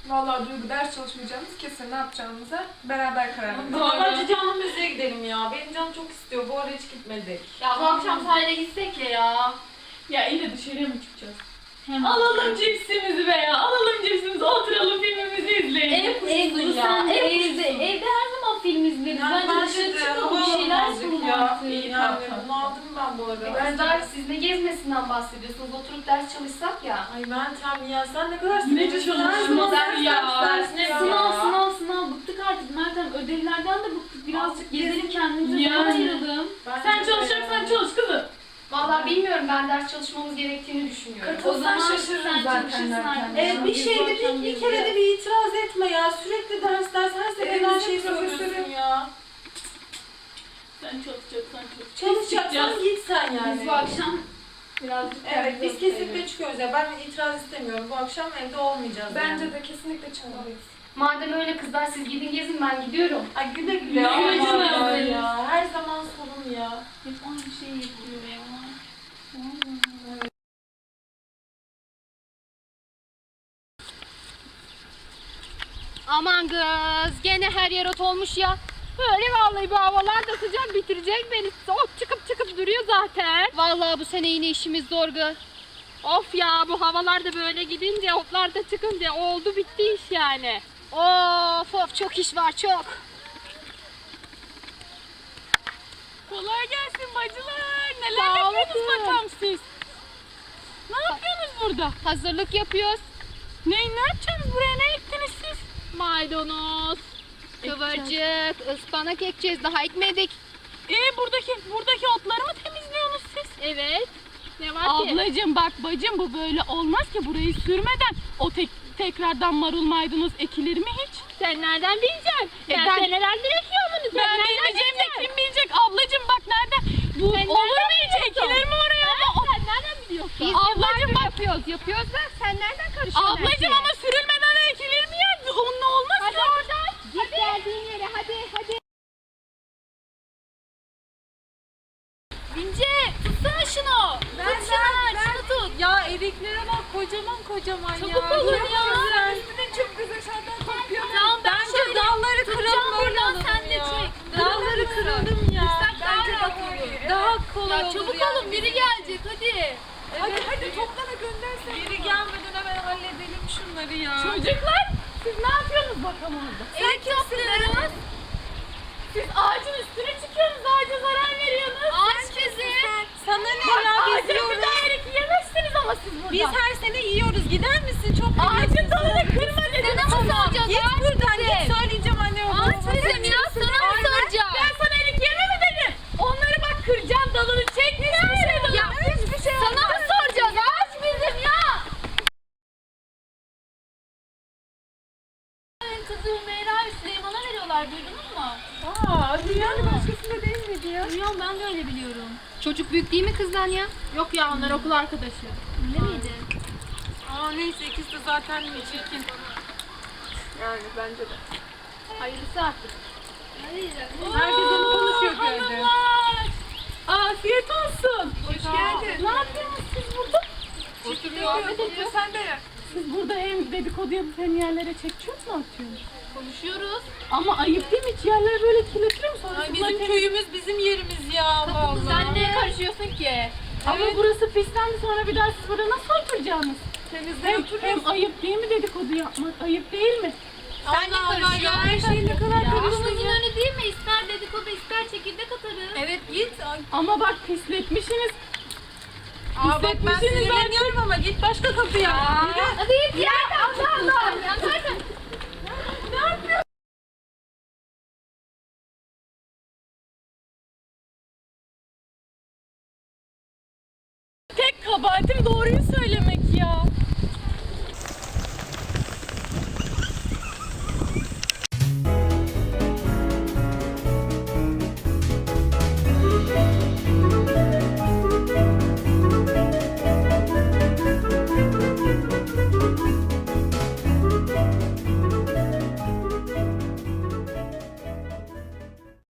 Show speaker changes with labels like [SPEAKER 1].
[SPEAKER 1] Vallahi Duygu ders çalışmayacağımız kesin, ne yapacağımıza beraber karar verelim.
[SPEAKER 2] Bence canım müziğe gidelim ya. Benim canım çok istiyor. Bu ara hiç gitmedik.
[SPEAKER 3] Ya bu akşam sahile gitsek ya.
[SPEAKER 4] Ya iyi de dışarıya mı çıkacağız? Alalım cipsimizi be ya. Alalım cipsimizi, oturalım filmimizi izleyelim.
[SPEAKER 3] Evde her zaman film izleriz. Bence dışarı çıkalım, bir şeyler sunalım artık.
[SPEAKER 2] İyi yani bunu aldım ben bu arada.
[SPEAKER 3] Kızlar siz ne gezmesinden bahsediyorsunuz? Oturup ders çalışsak ya.
[SPEAKER 2] Ay Meltem ya sen ne kadar
[SPEAKER 4] Ne çalışması ya?
[SPEAKER 3] Sınav. Bıktık artık Meltem. Ödevlerden de bıktık. Birazcık gezelim kendimize
[SPEAKER 4] Yani.
[SPEAKER 3] zaman ayıralım.
[SPEAKER 4] Sen çalışacaksan çalış kızım.
[SPEAKER 3] Vallahi bilmiyorum, ben ders çalışmamız gerektiğini düşünüyorum.
[SPEAKER 1] Katılsan şaşırırım zaten
[SPEAKER 3] çalışırsın
[SPEAKER 1] derken.
[SPEAKER 3] artık.
[SPEAKER 2] Bir şeyde bir kere de bir itiraz etme ya. Sürekli ders her seferinde her şeyi söylüyorsun ya.
[SPEAKER 4] Sen çalışacaksan çalış.
[SPEAKER 2] Çalışacaksan git sen yani.
[SPEAKER 3] Biz bu akşam birazcık
[SPEAKER 2] Evet biz
[SPEAKER 3] kendimize
[SPEAKER 2] kesinlikle
[SPEAKER 3] bakıyoruz.
[SPEAKER 2] çıkıyoruz ya. Ben itiraz istemiyorum. Bu akşam evde olmayacağız.
[SPEAKER 1] Bence
[SPEAKER 2] yani.
[SPEAKER 1] de kesinlikle çıkmalıyız.
[SPEAKER 3] Madem öyle kızlar, siz gidin gezin, ben gidiyorum.
[SPEAKER 2] Ay güle güle.
[SPEAKER 4] Güle güle
[SPEAKER 2] Allah
[SPEAKER 4] canım.
[SPEAKER 2] Allah ya. Her zaman sorun ya.
[SPEAKER 3] Hep aynı şeyi yapıyor ya.
[SPEAKER 5] Aman kız, gene her yer ot olmuş ya. Böyle vallahi bu havalar da sıcak, bitirecek beni. Ot çıkıp duruyor zaten. Vallahi bu sene yine işimiz zor kız. Of ya, bu havalar da böyle gidince, otlar da çıkınca oldu bitti iş yani. Of çok iş var, çok.
[SPEAKER 4] Kolay gelsin bacılar. Neler
[SPEAKER 5] Sağ
[SPEAKER 4] yapıyorsunuz
[SPEAKER 5] olun.
[SPEAKER 4] bakalım siz? Ne yapıyorsunuz burada?
[SPEAKER 5] Hazırlık yapıyoruz.
[SPEAKER 4] Ne yapacaksınız buraya? Ne ettiniz siz?
[SPEAKER 5] Maydanoz, kıvırcık, ıspanak ekeceğiz. Daha ekmedik.
[SPEAKER 4] Buradaki otları mı temizliyorsunuz siz?
[SPEAKER 5] Evet. Ne var ki?
[SPEAKER 4] Ablacığım bak bacım, bu böyle olmaz ki, burayı sürmeden tekrardan marul maydanoz ekilir mi hiç?
[SPEAKER 5] Sen nereden bileceksin? Ben senelerdir ekiyorum bunu. Sen
[SPEAKER 4] Ben
[SPEAKER 5] nereden
[SPEAKER 4] bilmeyeceğim de
[SPEAKER 5] bileceksin?
[SPEAKER 4] kim bilecek ablacığım, bak nereden? Bu
[SPEAKER 5] Sen
[SPEAKER 4] olur
[SPEAKER 5] nereden
[SPEAKER 4] mu hiç,
[SPEAKER 5] biliyorsun?
[SPEAKER 4] ekilir mi oraya?
[SPEAKER 5] Sen nereden biliyorsun? Biz
[SPEAKER 4] Ablacığım bak.
[SPEAKER 5] yapıyoruz da sen nereden karışıyorsun?
[SPEAKER 4] Ablacığım ama sürülmeden ekilir mi ya? Onunla olmaz
[SPEAKER 5] Hadi
[SPEAKER 4] ki.
[SPEAKER 5] oradan. Git geldiğin yere, hadi.
[SPEAKER 4] İnce tutsana şunu. Şunu tut.
[SPEAKER 2] Ya eriklere bak kocaman ya.
[SPEAKER 4] Çabuk olun ya.
[SPEAKER 1] Üstüne çok güzel şeyler kokuyor.
[SPEAKER 4] Tamam
[SPEAKER 2] Bence dalları kıralım böyle
[SPEAKER 4] buradan,
[SPEAKER 2] alalım
[SPEAKER 4] sen de
[SPEAKER 2] ya.
[SPEAKER 4] çek.
[SPEAKER 2] Dalları kıralım ya.
[SPEAKER 1] Bence de olur.
[SPEAKER 2] Daha kolay
[SPEAKER 4] Ya
[SPEAKER 2] olur
[SPEAKER 4] çabuk
[SPEAKER 2] yani.
[SPEAKER 4] olun, biri gelecek hadi.
[SPEAKER 1] Hadi toplana göndersen.
[SPEAKER 2] Biri gelmeden hemen halledelim şunları ya.
[SPEAKER 4] Çocuklar siz ne yapıyorsunuz bakalım orada?
[SPEAKER 5] Erik topluyoruz.
[SPEAKER 4] Siz ağacın üstüne çıkıyorsunuz, ağaca zarar veriyorsunuz.
[SPEAKER 5] Ağaç bizi.
[SPEAKER 2] Sana ne ya biz
[SPEAKER 4] Ağaca bir
[SPEAKER 2] yiyoruz.
[SPEAKER 4] daha erik yemezsiniz ama siz burada.
[SPEAKER 2] Biz her sene yiyoruz. Gider misin? Çok
[SPEAKER 4] ağacın dalını kırma dedim.
[SPEAKER 5] Sana mı soracağız?
[SPEAKER 2] Git
[SPEAKER 5] Ağaç
[SPEAKER 2] buradan
[SPEAKER 5] bizim.
[SPEAKER 2] git söyleyeceğim anne babama.
[SPEAKER 5] Ağaç bizim ya, sana mı soracağız?
[SPEAKER 4] Ben sana erik yeme mi dedim? Onları bak kıracağım, dalını çek.
[SPEAKER 5] Ya hiçbir şey sana mı soracağız? Ağaç bizim ya.
[SPEAKER 3] Kızı Hümeyra ve Süleyman'a veriyorlar, duydunuz mu?
[SPEAKER 1] Dünyanın başkasında değil miydi ya?
[SPEAKER 3] Duyuyorum, ben de öyle biliyorum.
[SPEAKER 5] Çocuk büyük değil mi kızdan ya?
[SPEAKER 4] Yok ya, onlar okul arkadaşı.
[SPEAKER 5] Öyle miydi?
[SPEAKER 2] Neyse ikisi de zaten çirkin.
[SPEAKER 1] Yani bence de.
[SPEAKER 5] Hayırlısı artık.
[SPEAKER 2] Herkes onu konuşuyor köyde.
[SPEAKER 4] Hanımlar! Afiyet olsun.
[SPEAKER 1] Hoş geldin.
[SPEAKER 4] Ne yapıyorsunuz siz burada?
[SPEAKER 1] Muhabbet ediyor, sen de yap.
[SPEAKER 4] Siz burada hem dedikodu yapıp hem yerlere çekçiyor mu atıyorsunuz?
[SPEAKER 3] Konuşuyoruz.
[SPEAKER 4] Ama ayıp değil mi? Hiç yerlere böyle kirletilir mi? Sonra
[SPEAKER 2] Ay,
[SPEAKER 4] bunlar
[SPEAKER 2] bizim köyümüz bizim yerimiz ya vallahi.
[SPEAKER 3] Sen neye karışıyorsun ki?
[SPEAKER 4] Ama burası pislendi, sonra bir daha siz burada nasıl oturacaksınız? Hem ayıp değil mi dedikodu yapmak? Ayıp değil mi?
[SPEAKER 3] Sen ne karışıyorsun?
[SPEAKER 2] Her şey ne kadar
[SPEAKER 3] Okulumuzun
[SPEAKER 2] karıştı.
[SPEAKER 3] önü değil mi? İster dedikodu, ister çekirdek atarız.
[SPEAKER 2] Evet git.
[SPEAKER 4] Ama bak pisletmişsiniz.
[SPEAKER 2] Bak ben
[SPEAKER 4] Pisletmişsiniz
[SPEAKER 2] sinirleniyorum ama git başka kapıya.
[SPEAKER 5] Hadi git ya. Allah Allah. Ya zaten.
[SPEAKER 4] Tek kabahatim doğruyu